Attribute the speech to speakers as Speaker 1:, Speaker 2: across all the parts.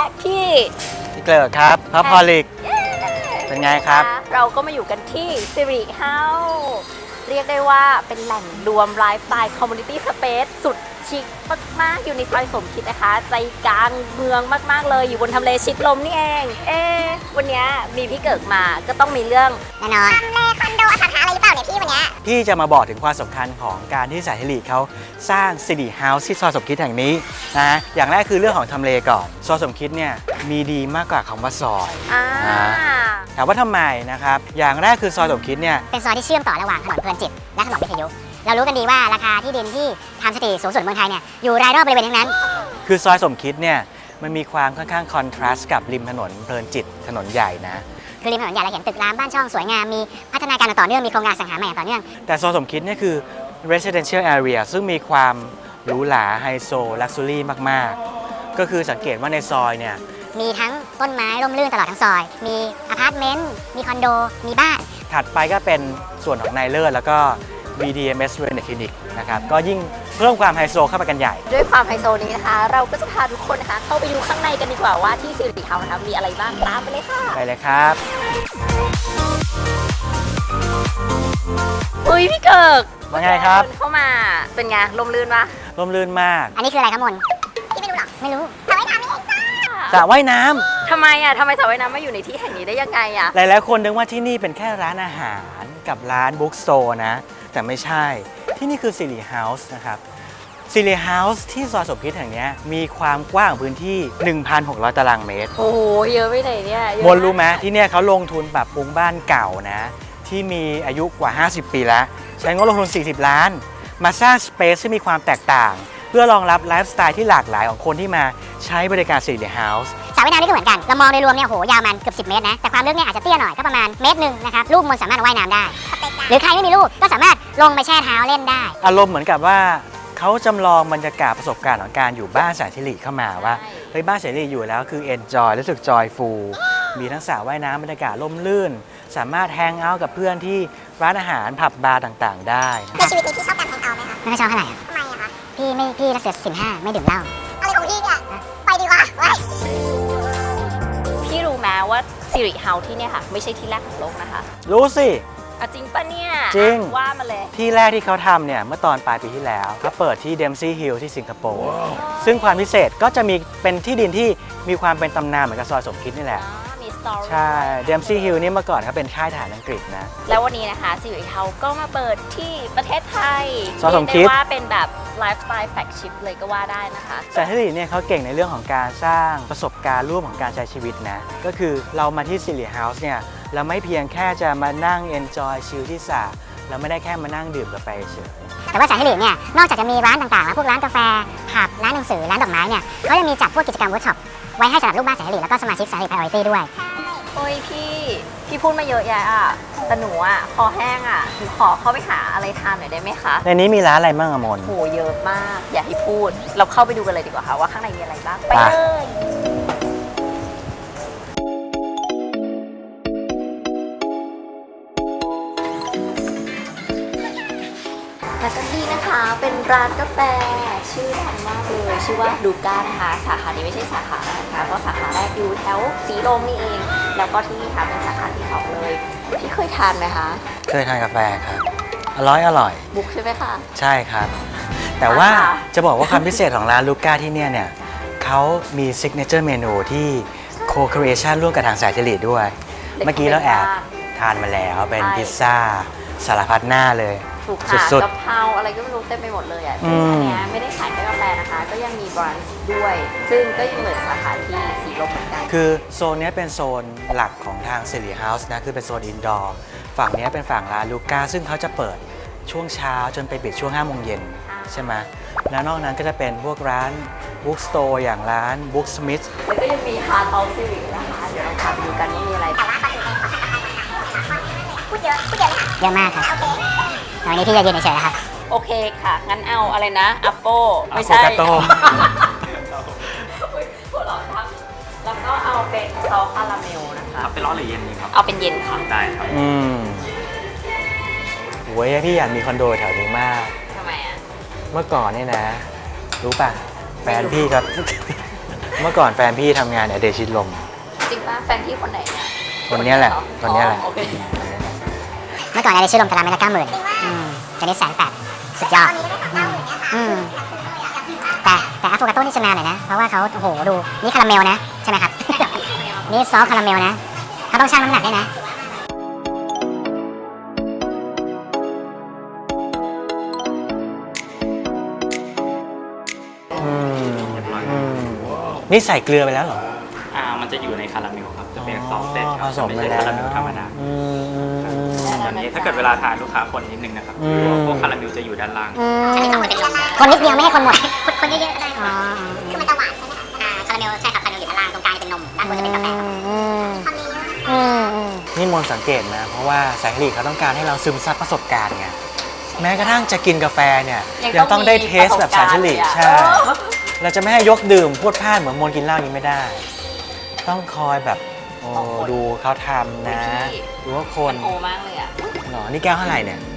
Speaker 1: พี่
Speaker 2: เกิดครับพระพอลิกเป็นไงครับ
Speaker 1: เราก็มาอยู่กันที่สิริเฮาส์เรียกได้ว่าเป็นแหล่งรวมไลฟ์สไตล์คอมมูนิตี้สเปซสุดชิคมากๆอยู่ในซอยสมคิดนะคะใจกลางเมืองมากๆเลยอยู่บนทำเลชิดลมนี่เองวันนี้มีพี่เกิดมาก็ต้องมีเรื่อง
Speaker 3: แน่นอนทำเลคอนโดอสังหาอะไรหรือเปล่าเนี่ยพี่วันนี้
Speaker 2: พี่จะมาบอกถึงความสำคัญของการที่สายเทลีเขาสร้างสิริเฮาส์ที่ซอยสมคิดแห่งนี้นะอย่างแรกคือเรื่องของทำเลก่อนซอยสมคิดเนี่ยมีดีมากกว่าคำว่าซอยถามว่าทำไมนะครับอย่างแรกคือซอยสมคิดเนี่ย
Speaker 3: เป็นซอยที่เชื่อมต่อระหว่างถนนเพลินจิตและถนนวิทยุเรารู้กันดีว่าราคาที่ดินที่ทำสถิติสูงสุดเมืองไทยเนี่ยอยู่รายรอบบริเวณทั้งนั้น
Speaker 2: คือซอยสมคิดเนี่ยมันมีความค่อนข้างคอนทราสต์กับริมถนนเพลินจิตถนนใหญ่นะ
Speaker 3: คือริมถนนใหญ่เราเห็นตึกรามบ้านช่องสวยงามมีพัฒนาการต่อเนื่องมีโครงการสังหาใหม่ต่อเนื่อง
Speaker 2: แต่ซอยสมคิดเนี่ยคือ residential area ซึ่งมีความหรูหราไฮโซลักซ์รี่มากๆก็คือสังเกตว่าในซอยเนี่ย
Speaker 3: มีทั้งต้นไม้ร่มรื่นตลอดทั้งซอยมีอพาร์ตเมนต์มีคอนโดมีบ้าน
Speaker 2: ถัดไปก็เป็นส่วนของนายเลิศแล้วก็ BDMS Wellness Clinic นะครับก็ยิ่งเพิ่มความไฮโซเข้าไปกันใหญ่
Speaker 1: ด้วยความไฮโซนี้นะคะเราก็จะพาทุกคนนะคะเข้าไปดูข้างในกันดีกว่าว่าที่สิริเฮาส์นะคะมีอะไรบ้างตามไปเลยค่ะ
Speaker 2: ไปเลยครับ
Speaker 1: อุ้ยพี่เกิก
Speaker 2: ว่าไงครับ
Speaker 1: เข้ามาเป็นไงลมลื่นปะ
Speaker 2: ลมลื่นมาก
Speaker 3: อันนี้คืออะไรครับมนพี่ไม่รู้หรอไม่รู้สระว่ายน้ำนี่เอง
Speaker 2: จ้าสระว่ายน้ำ
Speaker 1: ทำไมสระว่ายน้ำมาอยู่ในที่แห่งนี้ได้ยังไง
Speaker 2: หลายๆคนนึกว่าที่นี่เป็นแค่ร้านอาหารกับร้านบุ๊กสโตร์นะแต่ไม่ใช่ที่นี่คือสิริเฮาส์นะครับสิริเฮาส์ที่ซอยสมคิดแห่งนี้มีความกว้างพื้นที่ 1,600 ตารางเมตร
Speaker 1: โอ้โหเยอะไปไหนเนี่ย
Speaker 2: มนรู้ไหมที่เนี่ยเขาลงทุนปรับปรุงบ้านเก่านะที่มีอายุกว่า 50 ปีแล้วใช้งบลงทุน 40 ล้านมาสร้างสเปซที่มีความแตกต่างเพื่อรองรับไลฟ์สไตล์ที่หลากหลายของคนที่มาใช้บริการสิริเฮาส์
Speaker 3: สระว่ายน้ำนี่ก็เหมือนกันเรามองโดยรวมเนี่ยโหยาวมันเกือบ10 เมตรนะแต่ความลึกเนี่ยอาจจะเตี้ยหน่อยก็ประมาณ1 เมตรนะครับลูกมนสามารถว่ายน้ำได้หรือใครไม่มีลูกก็สามารถลงไปแช่เท้าเล่นได้
Speaker 2: อารมณ์เหมือนกับว่าเขาจำลองบรรยากาศประสบการณ์ของการอยู่บ้านสายสิริเข้ามาว่าเฮ้ยบ้านสายสิริอยู่แล้วคือ enjoy รู้สึก joyful มีทั้งสระว่ายน้ำบรรยากาศร่มรื่นสามารถแฮงเอาท์กับเพื่อนที่ร้านอาหารผับบาร์ต่างๆได้
Speaker 3: ในชีวิตนี้พี่ชอบการแฮงเอาท์ไหมคะไม่ชอบเท่าไหร่ทำไมอะคะพี่รักษาศีล 5ไม่ดื่มเหล้าอะไรของพี่เนี่ยไปดีกว่า
Speaker 1: พี่รู้ไหมว่าสิริเฮาส์ที่เนี่ยค่ะไม่ใช่ที่แรกของโลกนะคะ
Speaker 2: รู้สิ
Speaker 1: จริงปะเนี่ย
Speaker 2: จริง
Speaker 1: ว่ามาเลย
Speaker 2: ที่แรกที่เขาทำเนี่ยเมื่อตอนปลายปีที่แล้วเขาเปิดที่ Dempsey Hill ที่สิงคโปร์ซึ่งความพิเศษก็จะมีเป็นที่ดินที่มีความเป็นตำนานเหมือนกับซอยสมคิดนี่แหละ
Speaker 1: มีสตอรี่
Speaker 2: ใช่ Dempsey Hill นี่เมื่อก่อนเขาเป็นค่ายทหารอังกฤษนะ
Speaker 1: แล้ววันนี้นะคะสิริเฮาส์ก็มาเปิดที่ประเทศไทย
Speaker 2: ซอยสมคิด
Speaker 1: ว่าเป็นแบบไลฟ์สไตล์แฟลกชิพเลยก็ว่าได้นะคะ
Speaker 2: สายสิริเนี่ยเขาเก่งในเรื่องของการสร้างประสบการณ์ร่วมของการใช้ชีวิตนะก็คือเรามาที่สิริเฮาส์เนี่ยเราไม่เพียงแค่จะมานั่ง enjoy ชิลที่สระเราไม่ได้แค่มานั่งดื่มกาแฟเฉย
Speaker 3: แต่ว่าสายสิริเนี่ยนอกจากจะมีร้านต่างๆแล้วพวกร้านกาแฟผับร้านหนังสือร้านดอกไม้เนี่ยเขายังมีจัดพวกกิจกรรมเวิร์กช็อปไว้ให้สำหรับลูกบ้านสายสิริแล้วก็สมาชิกสายสิริ Priority ด้วย
Speaker 1: โอ้ยพี่พูดมาเยอะแยะแต่หนูคอแห้งหนูขอเข้าไปหาอะไรทานหน่อยได้ไหมคะ
Speaker 2: ในนี้มีร้านอะไรบ้างมน
Speaker 1: โหเยอะมากอย่าให้พูดเราเข้าไปดูกันเลยดีกว่าค่ะว่าข้างในมีอะไรบ้างไปเลยและก็ที่นะคะเป็นร้านกาแฟชื่อดังมากเลยชื่อว่าดูก้านะคะสาขานี้ไม่ใช่สาขานะคะเพราะสาขาแรกอยู่แถวสีลมนี่เองแล้วก็ที่นี่ค่ะเป็นสาขาที่2เลยพี่เคยทานไหมคะ
Speaker 2: เคยทานกาแฟครับอร่อย
Speaker 1: บุกใช่ไหมคะ
Speaker 2: ใช่ครับแต่ว่าจะบอกว่าความพิเศษของร้านลูก้าที่เนี่ยเขามีซิกเนเจอร์เมนูที่โคครีเอชั่นร่วมกับทางสายสิริด้วยเมื่อกี้เราแอบทานมาแล้วเป็นพิซซ่าสารพัดหน้าเลย
Speaker 1: ถูกค่ะกะเพราอะไรก็ไม่รู้เต็มไปหมดเลยซึ่งอันนี้ไม่ได้ขายแค่กาแฟนะคะก็ยังมีบรันช์ด้วยซึ่งก็ยังเหมือนสาขาที่สีลมเหมือนกัน
Speaker 2: คือโซนนี้เป็นโซนหลักของทางสิริเฮาส์นะคือเป็นโซนอินดอร์ฝั่งนี้เป็นฝั่งร้านลูก้าซึ่งเขาจะเปิดช่วงเช้าจนไปปิดช่วง5 โมงเย็นใช่ไหมแล้วนอกนั้นก็จะเป็นพวกร้านบุ๊กสโตร์อย่างร้านบุ๊กสมิธ
Speaker 1: แล้วก็ยังมีฮาร์ทเฮาส์สิรินะคะเดี๋ยวเราพาไปดูกันว่ามีอะไร
Speaker 3: พูดเยอะเยอะมากครับวันนี้พี่จะยืนเฉยๆครับ
Speaker 1: โอเคค่ะงั้นเอาอะไรนะอัปโป้ไม่ใช่
Speaker 2: กาโต้
Speaker 1: แล้วก็เอาเป็นซอสคาราเมลนะคะ
Speaker 4: เป็นร้อนหรือเย็นดีครับ
Speaker 1: เอาเป็นเย็นค่ะ
Speaker 4: ได้ครับ
Speaker 2: โว้ยพี่อยากมีคอนโดแถวนี้มาก
Speaker 1: ทำไม
Speaker 2: เมื่อก่อนเนี่ยนะรู้ป่ะแฟนพี่ก็เมื่อก่อนแฟนพี่ทำงานเนี่ยเดชิดลม
Speaker 1: จริงป่ะแฟนพี่คนไหนเนี่ย
Speaker 2: คนเนี้ยแหละคนเนี้ยแหละ
Speaker 1: อ๋อโอเค
Speaker 3: เมื่อก่อนอะไรชื่อลมตารางเมตรละ90,000ตอนนี้180,000สุดยอดแต่อะโฟกาโต้นี่จะนานหน่อยนะ เพราะว่าเขาโอ้โหดูนี่คาราเมลนะ ใช่ไหมครับ นี่ซอสคาราเมลนะเขาต้องชั่งน้ำหนักด้วยนะ
Speaker 2: นี่ใส่เกลือไปแล้วเหรอ
Speaker 4: มันจะอยู่ในคาราเมลครับ จะเป็นซอสเต็ดค
Speaker 2: ผ
Speaker 4: รับ
Speaker 2: สม
Speaker 4: ไม่
Speaker 2: ไป
Speaker 4: ใช่
Speaker 2: แล้ว
Speaker 4: คาราเมลธรรมดาตอนนี้ถ้าเกิดเวลาทานลูกค้าคนนิดนึงนะครับพวกคาราเมลจะอยู่ด้านล่าง
Speaker 3: คนนิดเดียวไม่ให้คนหมด คนเยอะๆก็ได้คือมันจะหวานใช่ไหมคาราเมลใช่ครับคาราเมลอยู่ด้านล่างตรงกลางจะเป็นนมด้านบนจะเป็นกาแฟ
Speaker 2: นี่มนสังเกตนะ เพราะว่าแสงหลีเขาต้องการให้เราซึมซับประสบการณ์ไงแม้กระทั่งจะกินกาแฟเนี่ยยังต้องได้เทสแบบแสงหลีใช่ เราจะไม่ให้ยกดื่มพูดพลาดเหมือนมนกินเหล้าอย่างนี้ไม่ได้ ต้องคอยแบบโอ้ดูเขาทำนะดูว่าคน
Speaker 1: โอมากเลยอ่ะ
Speaker 2: หรอนี่แก้วเท่าไหร่เนี่ย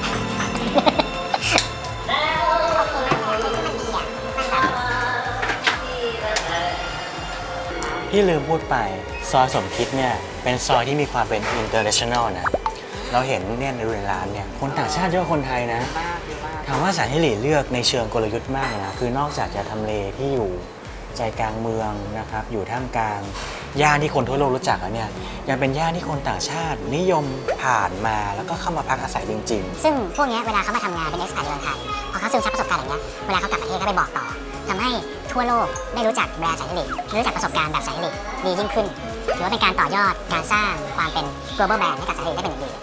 Speaker 2: พี่ลืมพูดไปซอยสมคิดเนี่ยเป็นซอยที่มีความเป็น international นะเราเห็นเนี่ยในร้านเนี่ยคนต่างชาติเยอะกว่าคนไทยนะ
Speaker 1: มากเยอะมาก
Speaker 2: ถามว่าแสนสิริเลือกในเชิงกลยุทธ์มากนะคือนอกจากจะทำเลที่อยู่ใจกลางเมืองนะครับอยู่ท่ามกลางย่านที่คนทั่วโลกรู้จักแล้วเนี่ยยังเป็นย่านที่คนต่างชาตินิยมผ่านมาแล้วก็เข้ามาพักอาศัยจริง
Speaker 3: ซึ่งพวกนี้เวลาเขามาทำงานเป็นเอ็กซ์แพดในเมืองไทยพอเขาซึมซับประสบการณ์อย่างเงี้ยเวลาเขากลับประเทศก็ไปบอกต่อทำให้ทั่วโลกได้รู้จักแบรนด์แสนสิริรู้จักประสบการณ์แบบแสนสิริดียิ่งขึ้นถือว่าเป็นการต่อยอดการสร้างความเป็น global brand ให้กับแสนสิริได้เป็นอย่างดี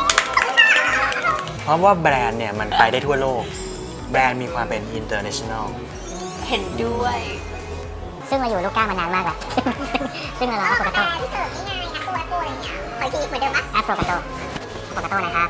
Speaker 2: ๆ เพราะว่าแบรนด์เนี่ยมันไปได้ทั่วโลกแบรนด์มีความเป็น international
Speaker 1: เห็นด้วย
Speaker 3: ซึ่งมาอยู่ลูกก้ามานานมากแล้ว ซึ่งเราอะโฟกาโต้อะโฟกาโต้นะครับ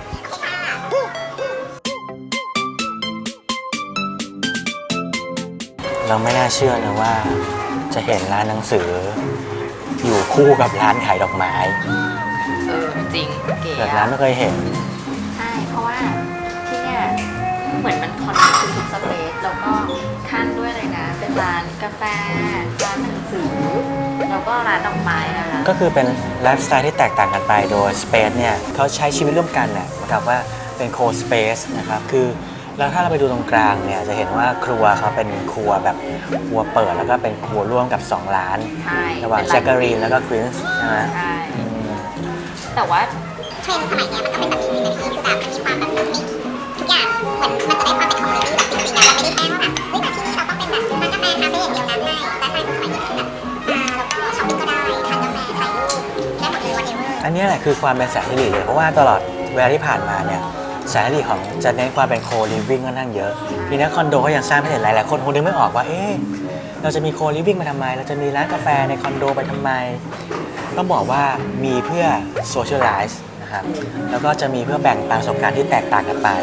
Speaker 2: เราไม่น่าเชื่อนะว่าจะเห็นร้านหนังสืออยู่คู่กับร้านขายดอกไม้
Speaker 1: จริงเก๋
Speaker 2: เกิดร้านไม่เคยเห็น
Speaker 1: ใช่เพราะว่าที่เนี่ยเหมือนมันคอนเนคทุกสเปซแล้วก็ขั้นด้วยเลยนะเป็นร้านกาแฟร้านหนังสือแล้วก็ร้านดอกไม้นะคะ
Speaker 2: ก็คือเป็นไลฟ์สไตล์ที่แตกต่างกันไปโดย Space เนี่ยเขาใช้ชีวิตร่วมกันเนี่ยเหมือนกับว่าเป็นโคสเปซนะครับคือแล้วถ้าเราไปดูตรงกลางเนี่ยจะเห็นว่าครัวเขาเป็นครัวแบบครัวเปิดแล้วก็เป็นครัวร่วมกับ2ร้าน
Speaker 1: ใช่
Speaker 2: ระหว่างแซกการีนแล้วก็ควินส์ใช่ไหม
Speaker 1: ใช่แต่ว่า
Speaker 3: เทรนด์สมัยเนี้ยมันก็เป็นแบบนี้เป็นที่คือแบบมันมีความแบบมิกซ์ทุกอย่างเหมือนมันจะได้ความเป็นคอมมูนิตี้แบบจริงๆอะมันไม่ได้แค่ว่าแบบเฮ้ยแต่ที่นี่เราต้องเป็นแบบร้านกาแฟคาเฟ่อย่างเดียวนะไม่ร้านกาแฟสมัยนี้คือแบบแล้วก็ช้อปปิ้งก็ได้ทานกาแฟถ่ายรูปได้หมดเลย whatever
Speaker 2: อันนี้แหละคือความเป็นแสนสิริเลยเพราะว่าตลอดเวลาที่ผ่านมาเนี่ยแสนสิริของจะเน้นความเป็นโคลิฟวิ่งค่อนข้างเยอะทีนี้คอนโดก็ยังสร้างไม่เสร็จหลายๆคนคงนึกไม่ออกว่าเอ๊ะเราจะมีโคลิฟวิ่งมาทำไมเราจะมีร้านกาแฟในคอนโดไปทำไมต้องบอกว่ามีเพื่อโซเชียลไลซ์นะครับแล้วก็จะมีเพื่อแบ่งปันประสบการณ์ที่แตกต่างกันไป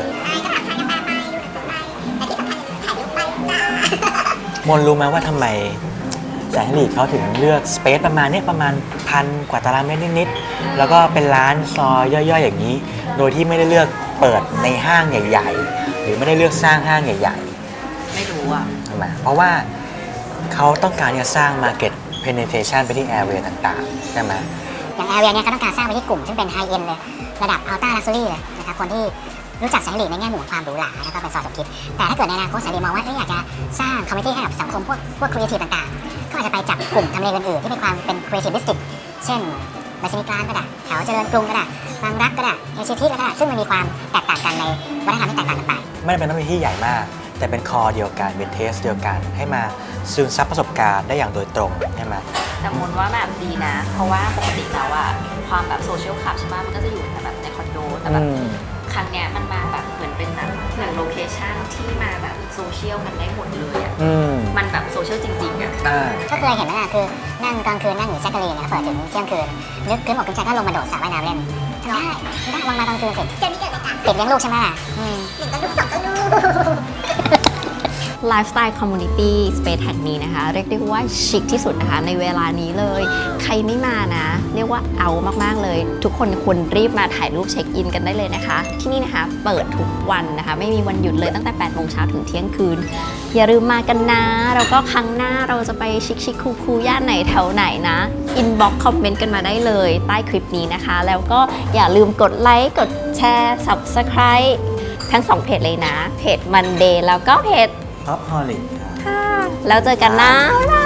Speaker 2: มนรู้ไหมว่าทำไมแสนสิริเขาถึงเลือกสเปซประมาณนี้ประมาณ1,000 กว่าตารางเมตรนิดๆแล้วก็เป็นร้านซอยย่อยๆอย่างนี้ โดยที่ไม่ได้เลือกเปิดในห้างใหญ่ๆหรือไม่ได้เลือกสร้างห้างใหญ่
Speaker 1: ไม่รู้อ่ะ
Speaker 2: ๆทำไมเพราะว่าเขาต้องการจะสร้าง Market Penetration ไปที่ Area ต่างๆใช่ไหม
Speaker 3: อย่างแอเรียเนี่ยเขาต้องการสร้างไปที่กลุ่มซึ่งเป็นไฮเอ็นเลยระดับอัลต้าลักซ์รี่เลยนะครับคนที่รู้จักแสนสิริในแง่มุมของความหรูหราแล้วก็เป็นซอยสมคิดแต่ถ้าเกิดในอนาคตแสนสิริมองว่าอยากจะสร้างคอมมูนิตี้ให้กับสังคมพวกครีเอทีฟต่างๆก็อาจจะไปจับกลุ่มทำเลอื่นๆที่มีความเป็นครีเอทีฟดิสตริกเช่นบัสซินิกลานก็ได้แถวเจริญกรุงก็ได้บางรักก็ได้เอเชียทีก็ได้ซึ่งมันมีความแตกต่างกันในวัฒนธรรมที่แตกต่างกันไป
Speaker 2: ไม่ได้เป็นต้องเป็นที่ใหญ่มาก แต่เป็นคอเดียวกันเป็นเทสเดียวกันให้มาซึมซับประสบการณ์ได้อย่างโดยตรงใช่ไหม
Speaker 1: แต่มนว่าแบบดีนะ เพราะว่าปกติแล้วอะความแบบโซเชียลคลับใช่ไหมมันก็จะอยู่แบบในคอนโดแต่แบบครั้งเนี้ยมันมาแบบเหมือนเป็นแบบหนึ่งโลเคชั่นที่มาแบบโซเชียลมันได้หมดเลยอะมันแบบโซเชียลจริงๆอะ
Speaker 3: ก็เคยเห็นไหมล่ะคือนั่งกลางคืนนั่งอยู่แจ็คเกอรีนนะเปิดถึงเที่ยงคืนนึกขึ้นอกขึ้นใจก็ลงมาโดดสระว่ายน้ำเล่นทำได้วางมาตอนคืนสิเจอนี่เกิดอะไรกันติดเลี้ยงลูกใช่ไหม1 ก็ลูก2 ก็ลูก
Speaker 1: ไลฟ์สไตล์คอมมูนิตี้สเปซแห่งนี้นะคะเรียกได้ว่าชิคที่สุดนะคะในเวลานี้เลยใครไม่มานะเรียกว่าเอามากๆเลยทุกคนควรรีบมาถ่ายรูปเช็คอินกันได้เลยนะคะที่นี่นะคะเปิดทุกวันนะคะไม่มีวันหยุดเลยตั้งแต่8 โมงเช้าถึงเที่ยงคืนอย่าลืมมากันนะแล้วก็ครั้งหน้าเราจะไปชิคๆคูลๆย่านไหนแถวไหนนะอินบ็อกซ์คอมเมนต์กันมาได้เลยใต้คลิปนี้นะคะแล้วก็อย่าลืมกดไลค์กดแชร์ Subscribe ทั้ง2เพจเลยนะเพจ Monday แล้วก็เพจ
Speaker 2: ท็อปฮอลลิก
Speaker 1: ค่ะแล้วเจอกันนะบ๊ายบาย